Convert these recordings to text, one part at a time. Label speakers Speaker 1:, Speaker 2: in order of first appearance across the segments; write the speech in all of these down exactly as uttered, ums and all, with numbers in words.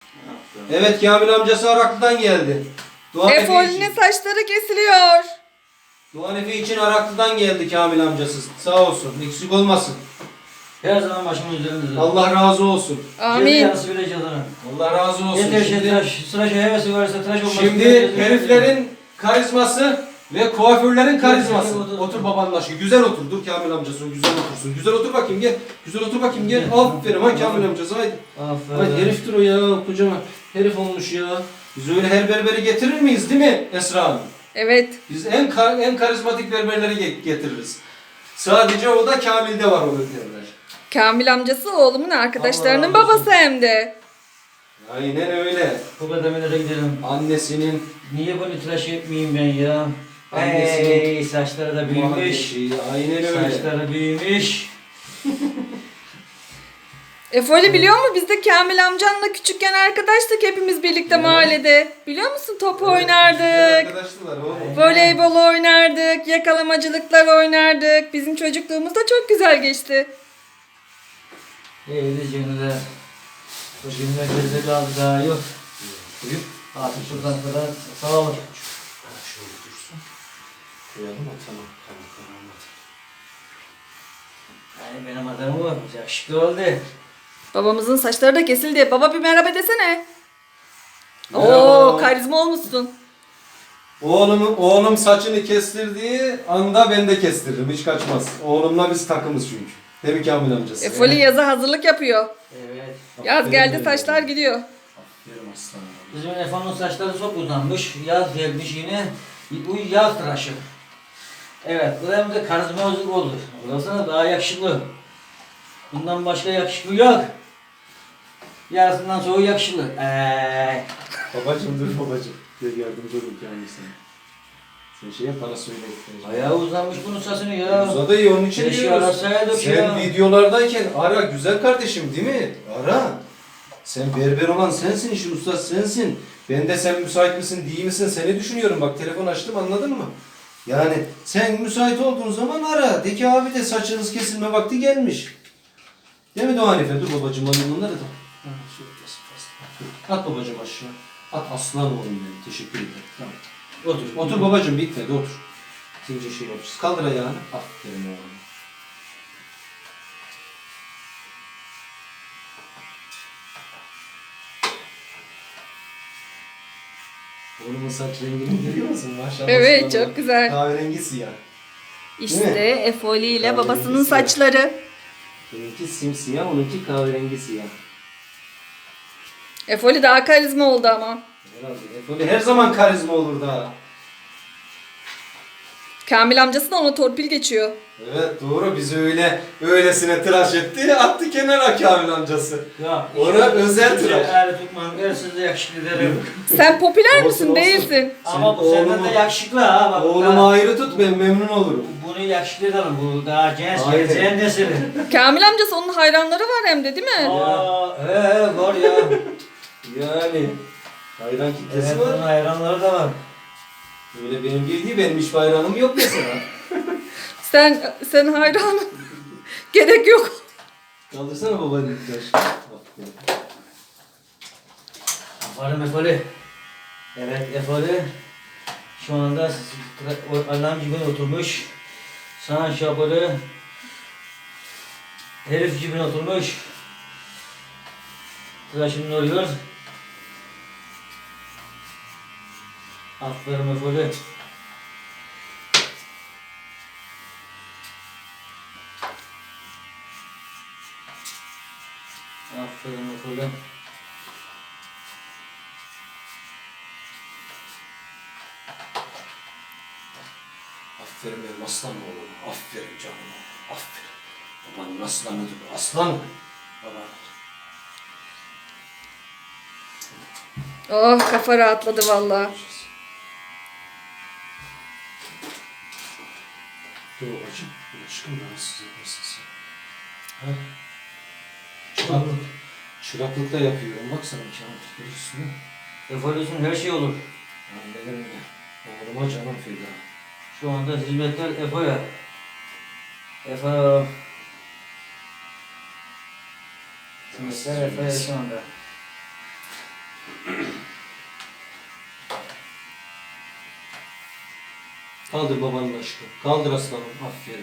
Speaker 1: Evet, Kamil amcası Araklı'dan geldi. Doğan Efe
Speaker 2: Efoli'nin
Speaker 1: için.
Speaker 2: saçları kesiliyor.
Speaker 1: Doğan Efe için Araklı'dan geldi Kamil amcası. Sağ olsun. Eksik olmasın.
Speaker 3: Her zaman başımın üzerinde.
Speaker 1: Allah razı olsun.
Speaker 2: Amin.
Speaker 3: Yarısı bile cadının.
Speaker 1: Allah razı olsun.
Speaker 3: Yeter şey
Speaker 1: Şimdi,
Speaker 3: tıraş. Tıraş hevesi varsa tıraş olmasın.
Speaker 1: şimdi heriflerin karizması ve kuaförlerin karizması.
Speaker 3: Otur, otur.
Speaker 1: Otur babanın aşkı. Güzel otur. Dur Kamil amcası. Güzel otursun. Güzel otur bakayım gel. Güzel otur bakayım gel. Aferin ha Kamil amcası. Haydi.
Speaker 3: Aferin.
Speaker 1: Haydi heriftir o ya. Kocaman herif olmuş ya. Biz öyle her berberi getirir miyiz değil mi Esra Hanım?
Speaker 2: Evet.
Speaker 1: Biz en kar, en karizmatik berberleri ge- getiririz. Sadece o da Kamil'de var o berberler.
Speaker 2: Kamil amcası oğlumun arkadaşlarının
Speaker 3: Allah razı olsun.
Speaker 2: babası hem de.
Speaker 1: Aynen öyle.
Speaker 3: Bu kadar nereye gidelim?
Speaker 1: Annesinin
Speaker 3: Niye bunu tıraş etmeyeyim ben ya?
Speaker 1: Annesinin
Speaker 3: Hey, saçları da büyümüş.
Speaker 1: muhabbeti, aynen öyle.
Speaker 3: Saçları büyümüş.
Speaker 2: Efoli biliyor mu? Biz de Kamil amcanla küçükken arkadaştık hepimiz birlikte
Speaker 1: Evet.
Speaker 2: mahallede. Biliyor musun? Top
Speaker 1: Evet,
Speaker 2: oynardık.
Speaker 1: arkadaşlar oğlum.
Speaker 2: Voleybol oynardık. Yakalamacılıklar oynardık. Bizim çocukluğumuz da çok güzel geçti.
Speaker 3: Eydi canına. Bu günler geride kaldı daha yok.
Speaker 1: Buyur.
Speaker 3: Artık şuradan kadar sağ olun.
Speaker 1: Şöyle dursun. Koyalım mı? Tamam. Tamam. Tamam.
Speaker 3: Yani benim adamım var. Yakışıklı oldu.
Speaker 2: Babamızın saçları da kesildi. Baba bir merhaba desene.
Speaker 1: Merhaba.
Speaker 2: Oo, karizma olmuşsun.
Speaker 1: Oğlum, oğlum saçını kestirdiği anda ben de kestiririm. Hiç kaçmaz. Oğlumla biz takımız çünkü. Değil mi Kamil amcası?
Speaker 2: Efoli yaza hazırlık yapıyor.
Speaker 3: Evet.
Speaker 2: Yaz geldi
Speaker 1: Aferin
Speaker 2: saçlar
Speaker 1: benim.
Speaker 2: gidiyor.
Speaker 1: Aferin aslanım.
Speaker 3: Bizim Efe'nin saçları çok uzanmış. Yaz gelmiş yine. Bu yaz tıraşı. Evet, bu hem de karizmatik oldu. Burasına daha yakışıklı. Bundan başka yakışıklı yok. Yarısından sonra yakışıklı. Eee.
Speaker 1: Babacım dur babacım. Gel yardımcı olun kendisine. Sen şey yap bana söyle.
Speaker 3: Ayağı uzanmış bunun saçını ya.
Speaker 1: Uzadı iyi onun için
Speaker 3: Keşke
Speaker 1: diyoruz.
Speaker 3: arasaydık
Speaker 1: Sen
Speaker 3: ya.
Speaker 1: videolardayken ara güzel kardeşim değil mi? Ara. Sen berber olan sensin, işin ustası sensin. Ben de sen müsait misin değil misin seni düşünüyorum. Bak telefon açtım anladın mı? Yani sen müsait olduğun zaman ara. De ki abi de saçınız kesilme vakti gelmiş. Değil mi Doğan Efe? Dur babacım alayım bunları da. Ha, şöyle basın, basın. At babacım aşağı. At aslan oğlum benim. Teşekkür ederim. Tamam. Otur. Otur babacım bitmedi otur. İkinci şey yapacağız. Kaldır ayağını. Aferin oğlum. Oğlumun saç rengini görüyor musun? Maşallah.
Speaker 2: Evet
Speaker 1: aslanım.
Speaker 2: çok güzel.
Speaker 1: Kahverengi siyah.
Speaker 2: İşte Efoli ile
Speaker 1: Kahverengi
Speaker 2: babasının
Speaker 1: siyah.
Speaker 2: saçları.
Speaker 1: Benimki simsiyah, onunki kahverengi siyah.
Speaker 2: Efoli daha karizma oldu ama.
Speaker 1: Herhalde. Efoli her zaman karizma olur da.
Speaker 2: Kamil amcası da ona torpil geçiyor.
Speaker 1: Evet doğru bizi öyle öylesine tıraş etti attı kenara Kamil amcası.
Speaker 3: Ya.
Speaker 1: Ona özel tıraş.
Speaker 3: Eğer tutmam, eğer siz de yakışıklı derim.
Speaker 2: Sen popüler
Speaker 1: Olsun,
Speaker 2: misin
Speaker 1: olsun.
Speaker 2: değilsin?
Speaker 3: Ama bu
Speaker 1: Sen
Speaker 3: senden
Speaker 1: oğlumu-
Speaker 3: de yakışıklı ha. Bak,
Speaker 1: Oğlumu
Speaker 3: ha.
Speaker 1: ayrı tut ben memnun olurum.
Speaker 3: Bunu yakışıklı edelim. Bu daha genç,
Speaker 1: Aynen.
Speaker 3: geleceğin nesili.
Speaker 2: Kamil amcası onun hayranları var hem de değil mi?
Speaker 3: Aa, ee, var ya.
Speaker 1: Yani hayran kitlesi
Speaker 3: Evet, bunun
Speaker 1: var.
Speaker 3: hayranları da var.
Speaker 1: Öyle benim gibi değil benim hiç hayranım yok mesela.
Speaker 2: Sen sen hayran. Gerek yok.
Speaker 1: Kaldırsana babanın taş. Aferin.
Speaker 3: Aferin Efoli. Evet Efoli. Şu anda o alarm gibi oturmuş. Sağ şapırı. Herif gibi oturmuş. Tıraşını oluyor. Aferin Efoli. Aferin Efoli.
Speaker 1: Aferin benim aslan oğlum. Aferin canım. Aferin. Babanın aslanıdır. Aslan. Baba.
Speaker 2: Oh kafa rahatladı vallahi.
Speaker 1: Dur babacım. Aşkım rahatsız etmesin sen. Ha? Çıraklık. Çıraklık da yapıyorum. Baksana canım. Görüyorsun değil mi?
Speaker 3: Efoli'sin her şey olur.
Speaker 1: Annenim ya. Oğluma canım feda.
Speaker 3: Şu anda hizmetler Efo'ya. Efo. Hizmetler Efo'ya şu anda.
Speaker 1: Kaldır babanın aşkı. Kaldır aslanım. Aferin.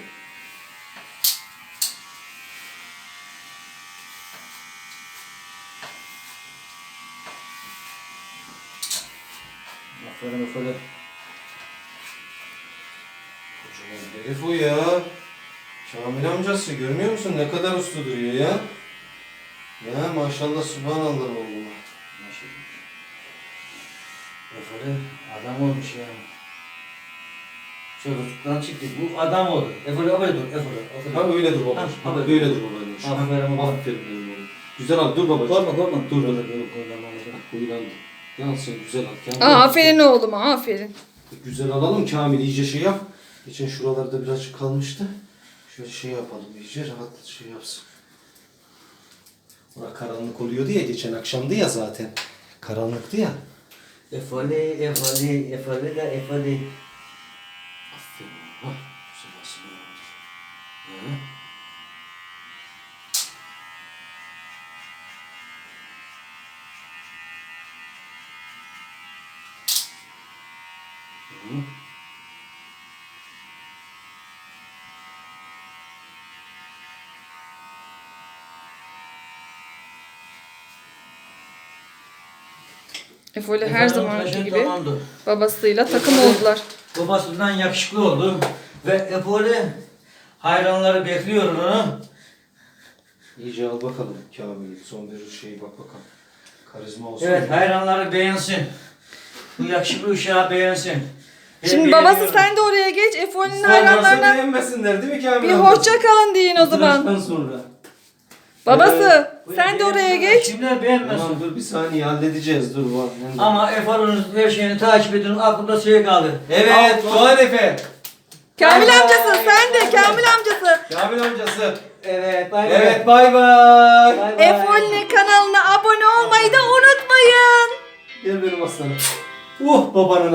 Speaker 3: Aferin aferin.
Speaker 1: Kocaman herif o ya. Kamil amcası görmüyor musun ne kadar uslu duruyor ya. Ya maşallah subhanallah oğluma.
Speaker 3: Maşallah. Aferin. Adam olmuş ya. Çocuktan çıktı. Bu adam oldu. Eferin öyle dur. Eferin.
Speaker 1: Ha öyle dur babacığım.
Speaker 3: Ha,
Speaker 1: Ha,
Speaker 3: ha,
Speaker 1: böyle dur babacığım.
Speaker 3: Aferin baba.
Speaker 1: Aferin benim oğlum. Güzel al dur babacığım.
Speaker 3: Korkma korkma.
Speaker 1: Dur dur.
Speaker 3: Korkma.
Speaker 1: Uyulandı. Ya sen güzel al. Kamil.
Speaker 2: Aa, aferin oğluma aferin.
Speaker 1: Güzel alalım Kamil iyice şey yap. Geçen şuralarda birazcık kalmıştı. Şöyle şey yapalım iyice rahat şey yapsın. Bura karanlık oluyordu ya geçen akşamdı ya zaten. Karanlıktı ya.
Speaker 3: Efali, efali, efali de efali.
Speaker 1: Aferin. Hah. Güzel nasıl oldu. Hı. Hı.
Speaker 2: Efoli her zamanki
Speaker 3: Efali
Speaker 2: gibi
Speaker 3: tamamdır.
Speaker 2: babasıyla takım oldular.
Speaker 3: Babasından yakışıklı oldu. Ve Efoli hayranları bekliyor onu.
Speaker 1: İyice al bakalım Kamil. Son bir şey bak bakalım. Karizma olsun.
Speaker 3: Evet hayranları beğensin. Bu yakışıklı uşağı beğensin. Ben
Speaker 2: Şimdi babası
Speaker 3: beğeniyorum.
Speaker 2: sen de oraya geç. Efoli'nin
Speaker 1: Olmazsa
Speaker 2: hayranlarına
Speaker 1: beğenmesinler değil mi Kamil
Speaker 2: bir
Speaker 1: amcası?
Speaker 2: hoşça kalın deyin o zaman.
Speaker 1: Tıraştan sonra.
Speaker 2: Babası
Speaker 3: Bu
Speaker 2: sen de oraya
Speaker 3: beğensin.
Speaker 2: geç.
Speaker 3: Kimler beğenmesin.
Speaker 1: Tamam dur bir saniye halledeceğiz dur bak.
Speaker 3: Ama Efoli'nin her şeyini takip edin. Aklımda şey kaldı.
Speaker 1: Evet
Speaker 3: Allah.
Speaker 1: Doğan Efe.
Speaker 2: Kamil
Speaker 3: Bay
Speaker 2: amcası
Speaker 3: bay.
Speaker 2: sen de Kamil amcası.
Speaker 1: Kamil amcası.
Speaker 3: Evet bay bay.
Speaker 1: Evet bay bay.
Speaker 3: Bay bay.
Speaker 2: Efoli'nin kanalına abone olmayı da unutmayın.
Speaker 1: Gel benim aslanım. Uh babanın